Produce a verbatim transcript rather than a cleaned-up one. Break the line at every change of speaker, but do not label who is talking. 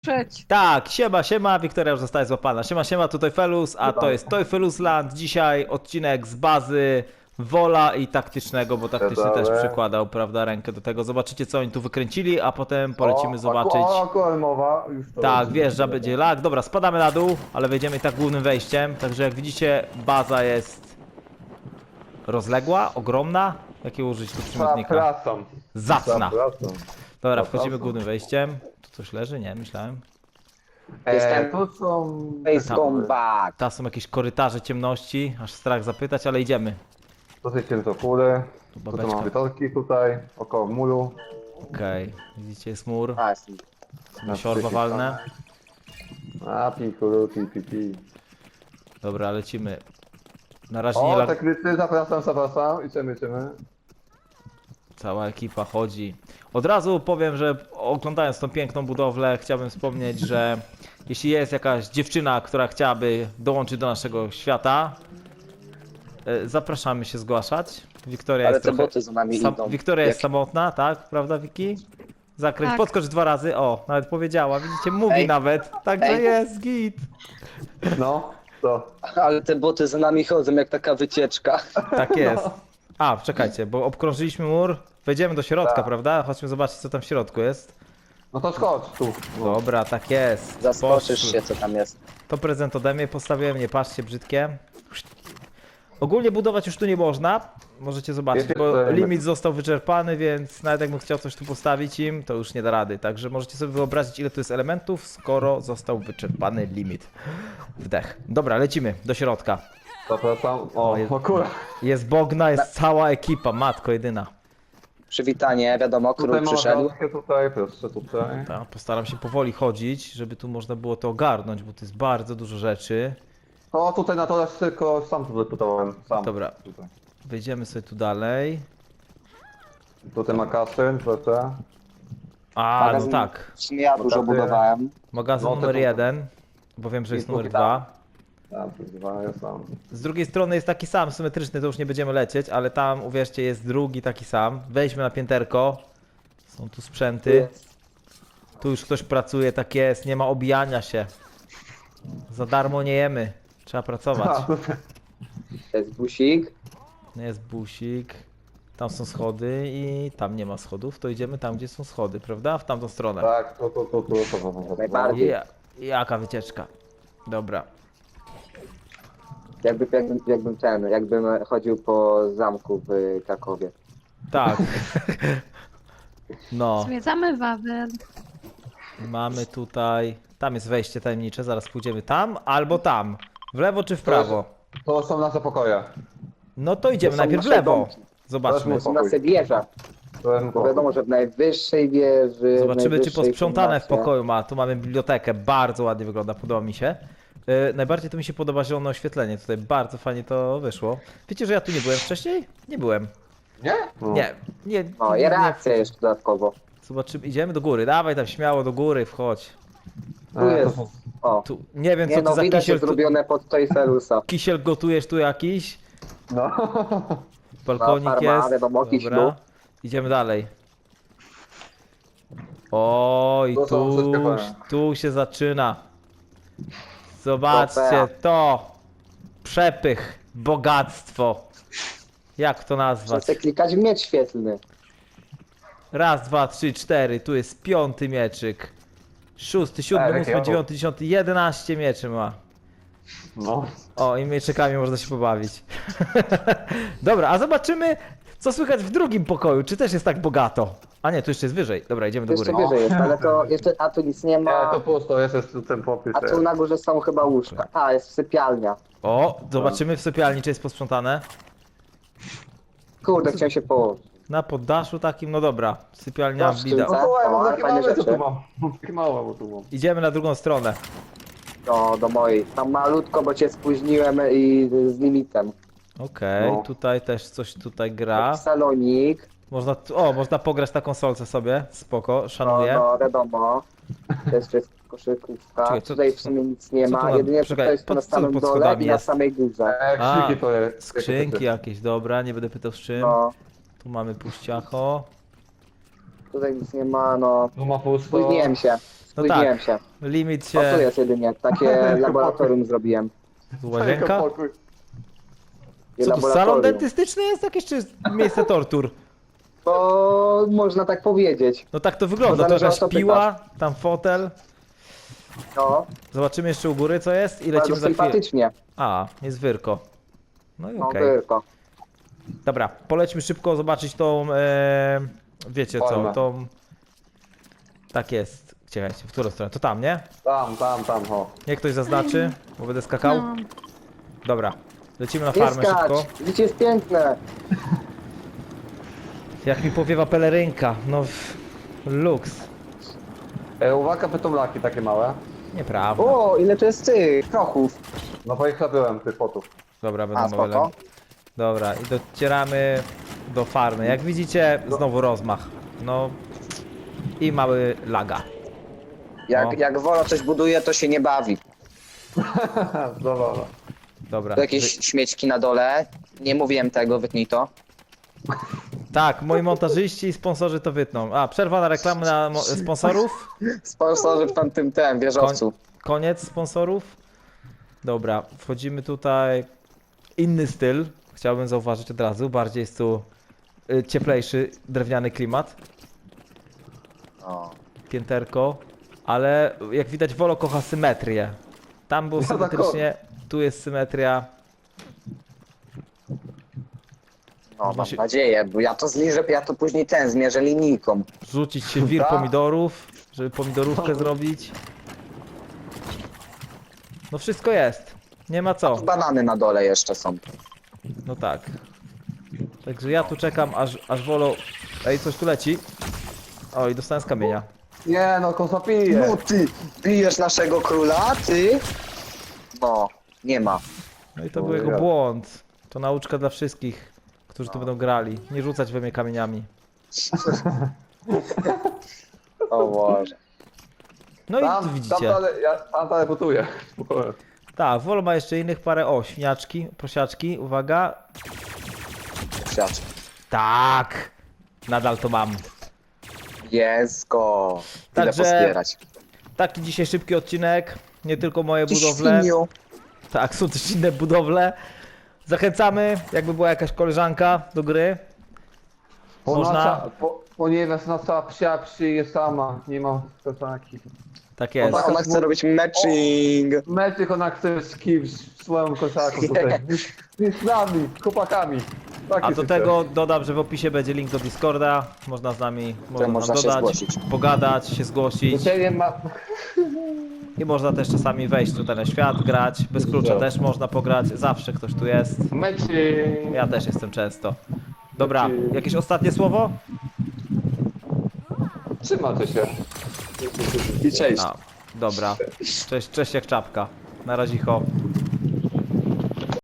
Przeć.
Tak, siema, siema, Wiktoria już zostaje złapana. Siema, siema, tu Toyfelus, a to jest Toyfelus Land. Dzisiaj odcinek z bazy Wola i taktycznego, bo taktyczny
Dobra.
też przykładał, prawda, rękę do tego. Zobaczycie, co oni tu wykręcili, a potem polecimy zobaczyć.
O, akurat mowa, już to
Tak,
lecimy.
wjeżdża, będzie lag. Dobra, spadamy na dół, ale wejdziemy i tak głównym wejściem. Także jak widzicie, baza jest rozległa, ogromna. Jakie użyć tu przymiotnika?
Zapraszam.
Zacna.
Zapraszam.
Dobra,
Zapraszam.
wchodzimy głównym wejściem. Tu coś leży? Nie, myślałem.
E, to są...
Face come back.
Tam są jakieś korytarze ciemności, aż strach zapytać, ale idziemy.
Dosyć ciężko kule.
Tu
Tu
babeczka.
mam wytorki tutaj, około muru.
Okej, widzicie, jest mur.
A, jest.
Na siorba walne.
A, pikulu, pi, pi, pi.
Dobra, lecimy. Na razie nie
O,
lag...
te kryty, zapraszam, zapraszam. Idziemy, idziemy.
Cała ekipa chodzi. Od razu powiem, że oglądając tą piękną budowlę, chciałbym wspomnieć, że jeśli jest jakaś dziewczyna, która chciałaby dołączyć do naszego świata, e, zapraszamy się zgłaszać. Wiktoria
Ale
jest
te
trochę...
boty za nami
Sam...
idą.
Wiktoria jest
Jak-
samotna, tak? Prawda, Wiki? Zakręć,
Tak.
podskocz dwa razy. O, nawet powiedziała. Widzicie, mówi
Ej.
nawet. Także
Ej.
jest git.
No, to.
Ale te boty za nami chodzą jak taka wycieczka.
Tak jest. A, czekajcie, bo obkrążyliśmy mur. Wejdziemy do środka,
Tak.
prawda? Chodźmy zobaczyć, co tam w środku jest.
No to skocz tu.
Dobra, tak jest.
Zaskoczysz
Poszły.
się, co tam jest.
To prezent ode mnie, postawiłem, nie patrzcie, brzydkie. Ogólnie budować już tu nie można. Możecie zobaczyć,
Wiecie,
bo
co-
limit został wyczerpany, więc nawet jakbym chciał coś tu postawić im, to już nie da rady. Także możecie sobie wyobrazić, ile tu jest elementów, skoro został wyczerpany limit. Wdech. Dobra, lecimy do środka.
Zapraszam. O,
O, jest-
o kurwa.
Jest Bogna, jest cała ekipa, matko jedyna.
Przywitanie, wiadomo, król
Tutaj mam
przyszedł.
klatkę tutaj, proszę tutaj.
Ta, postaram się powoli chodzić, żeby tu można było to ogarnąć, bo to jest bardzo dużo rzeczy.
O, tutaj na to tylko sam tu wyputowałem. Sam.
Dobra.
Tutaj,
Wejdziemy sobie tu dalej.
tutaj ma kasyn, proszę.
A, no
Magazyn-
tak.
W sumie ja dużo
Bogaty.
budowałem.
Magazyn
No, to
numer
tu-
jeden, bo wiem, że jest
I
numer
tutaj.
dwa.
Tam, tu dwa, ja sam.
Z drugiej strony jest taki sam, symetryczny, to już nie będziemy lecieć, ale tam, uwierzcie, jest drugi taki sam. Wejdźmy na pięterko. Są tu sprzęty. Tu już ktoś pracuje, tak jest, nie ma obijania się. Za darmo nie jemy. Trzeba pracować.
A, tutaj.
To jest busik.
Nie jest busik. Tam są schody i tam nie ma schodów, to idziemy tam, gdzie są schody, prawda? W tamtą stronę.
Tak, tu, tu, tu, tu, tu, tu, tu, tu.
Najbardziej.
Ja, jaka wycieczka. Dobra.
Jakby, jakbym, jakbym ten, jakbym chodził po zamku w Krakowie.
Tak. No,
Zwiedzamy Wawel.
mamy tutaj... Tam jest wejście tajemnicze, zaraz pójdziemy tam albo tam. W lewo czy w prawo?
To są nasze pokoje.
No to idziemy
To są
najpierw w
nasze
lewo.
domki.
Zobaczmy.
To
To na wieża.
To jest
Bo wiadomo, że w najwyższej wieży. w
Zobaczymy, czy
najwyższej
posprzątane w
komnacie-
pokoju ma. Tu mamy bibliotekę, bardzo ładnie wygląda, podoba mi się. Yy, najbardziej to mi się podoba zielone oświetlenie, tutaj bardzo fajnie to wyszło. Wiecie, że ja tu nie byłem wcześniej? Nie byłem.
Nie? No.
Nie, nie.
O,
nie,
i reakcja jeszcze dodatkowo.
Zobaczymy, idziemy do góry, dawaj tam śmiało do góry, wchodź.
Tu
E, to
jest.
są-
O,
Tu, nie wiem co
nie
to
no,
za
widać
kisiel,
jest
tu,
zrobione pod Toyfelusa.
kisiel gotujesz tu jakiś?
No.
Balkonik
No, farma,
jest,
wiadomo, jakiś
dobra.
lód.
Idziemy dalej. O, i
To są
tu,
wszystkie fajne.
tu się zaczyna. Zobaczcie
Trofea.
to. Przepych, bogactwo. Jak to nazwać?
Chcę klikać w miecz świetlny.
Raz, dwa, trzy, cztery. Tu jest piąty mieczyk. Szósty, siódmy,
Ej,
ósmy,
jakie
dziewiąty, dziesiąty, jedenaście mieczy ma.
No.
O, i mieczykami można się pobawić. Dobra, a zobaczymy, co słychać w drugim pokoju. Czy też jest tak bogato? A nie, tu jeszcze jest wyżej. Dobra, idziemy do
To jeszcze
góry.
wyżej jest, ale to jeszcze, a tu nic nie
Nie,
ma.
to pusto, jest jest tu ten popis.
A tu na górze są chyba łóżka. A, jest sypialnia.
O, zobaczymy w sypialni, czy jest posprzątane.
Kurde, chciałem się położyć.
Na poddaszu takim, no dobra. Sypialnia
Proszę,
bida.
co?
No słuchaj, mam
O,
takie
fajne
małe, co
rzeczy.
tu mam. Mam takie małe, bo tu mam.
Idziemy na drugą stronę.
Do, do mojej. Tam malutko, bo cię spóźniłem i z limitem.
Okej,
No.
tutaj też coś tutaj gra.
Salonik.
Można, tu- o, można pograć na konsolce sobie. Spoko,
No,
szanuję.
no, wiadomo. To jeszcze jest koszykówka.
Czekaj, co-
Tutaj w
co-
sumie nic nie
co tu
ma.
na-
Jedynie
czekaj,
to jest
pod-
na
co
samym
pod
dole
schodami
i na
jest?
samej górze.
E,
A,
krzyki to jest.
Skrzynki jakieś, dobra, nie będę pytał z czym.
No,
Tu mamy puściacho.
tutaj nic nie ma, no.
Tu ma pusto.
Spóźniłem się.
No
Spóźniłem
tak,
się.
limit
O, tu
się...
jest jedynie, takie laboratorium zrobiłem.
Łazienka?
Pokój.
I
Co tu, salon
laboratorium.
dentystyczny jest jakieś, czy miejsce tortur?
To można tak powiedzieć.
No tak to wygląda,
To
to
zależy,
jakaś
o co
piła, tam fotel.
No,
Zobaczymy jeszcze u góry co jest i
bardzo
lecimy za chwilę.
sympatycznie.
A, jest wyrko. No i
No,
okej.
tylko.
Dobra, polećmy szybko zobaczyć tą, e, wiecie co,
Formę.
tą... Tak jest. Czekajcie, w którą stronę? To tam, nie?
Tam, tam, tam, o.
Niech ktoś zaznaczy, bo będę skakał.
No.
Dobra, lecimy na
Nie
farmę szybko.
skacz, życie jest piękne.
Jak mi powiewa pelerynka, no... w- Luks.
E, uwaga, pytomlaki takie małe.
Nieprawda.
O, ile to jest tych prochów.
No bo ich nabyłem, tych potów.
Dobra,
A,
będą
spoko.
małe. Dobra, i docieramy do farmy. Jak widzicie, znowu rozmach. No... I mały laga.
Jak,
O.
jak Wolo coś buduje, to się nie bawi.
Dobra.
Dobra.
Tu jakieś śmieczki na dole. Nie mówiłem tego, wytnij to.
Tak, moi montażyści i sponsorzy to wytną. A, przerwa na reklamy na mo- sponsorów.
Sponsorzy w tamtym tem, wieżowcu.
Koniec sponsorów. Dobra, wchodzimy tutaj. Inny styl. Chciałbym zauważyć od razu. Bardziej jest tu y, cieplejszy, drewniany klimat.
O.
Pięterko. Ale jak widać, Wolo kocha symetrię. Tam było
Ja tak
symetrycznie, tu jest symetria.
No, mam
Właśnie-
nadzieję, bo ja to zliżę, ja to później ten zmierzę linijką.
Rzucić się wir
Tak.
pomidorów, żeby pomidorówkę zrobić. No wszystko jest. Nie ma co.
Tu banany na dole jeszcze są.
No tak. Także ja tu czekam, aż, aż Wolo... Ej, coś tu leci. Oj, dostałem z kamienia.
Nie no, kosa pije.
No ty, bijesz naszego króla, ty? No, nie ma.
No i to
O
był jego
ja.
błąd. To nauczka dla wszystkich, którzy tu będą grali. Nie rzucać we mnie kamieniami.
O Boże.
No i tu
Tam, tam
widzicie.
dalej, ja tam dalej buduję.
Tak, Wolo ma jeszcze innych parę... O, świniaczki, prosiaczki, uwaga.
Siacz.
Tak! Nadal to mam.
Jest go. Tyle
Także-
pozbierać.
Taki dzisiaj szybki odcinek. Nie tylko moje
Ty
budowle.
świniu.
Tak, są też inne budowle. Zachęcamy, jakby była jakaś koleżanka do gry.
Bo
Można?
Nasza, po, ponieważ nasza psia przyje sama, nie ma kosaki.
Tak jest.
Ona-
Ona chce robić matching.
Metyk ona chce z kimś, swoją kosaką tutaj. Z z nami, chłopakami. Taki
A do
system.
tego dodam, że w opisie będzie link do Discorda. Można z nami można nam
można się
dodać,
zgłosić.
pogadać, się zgłosić.
Życzenie ma...
I można też czasami wejść tutaj na świat, grać. Bez klucza
Co?
też można pograć. Zawsze ktoś tu jest.
Meczy...
Ja też jestem często. Dobra,
Znaczy-
jakieś ostatnie słowo?
Trzymajcie się.
I cześć.
A, dobra. Cześć, cześć jak czapka. Na razie ho.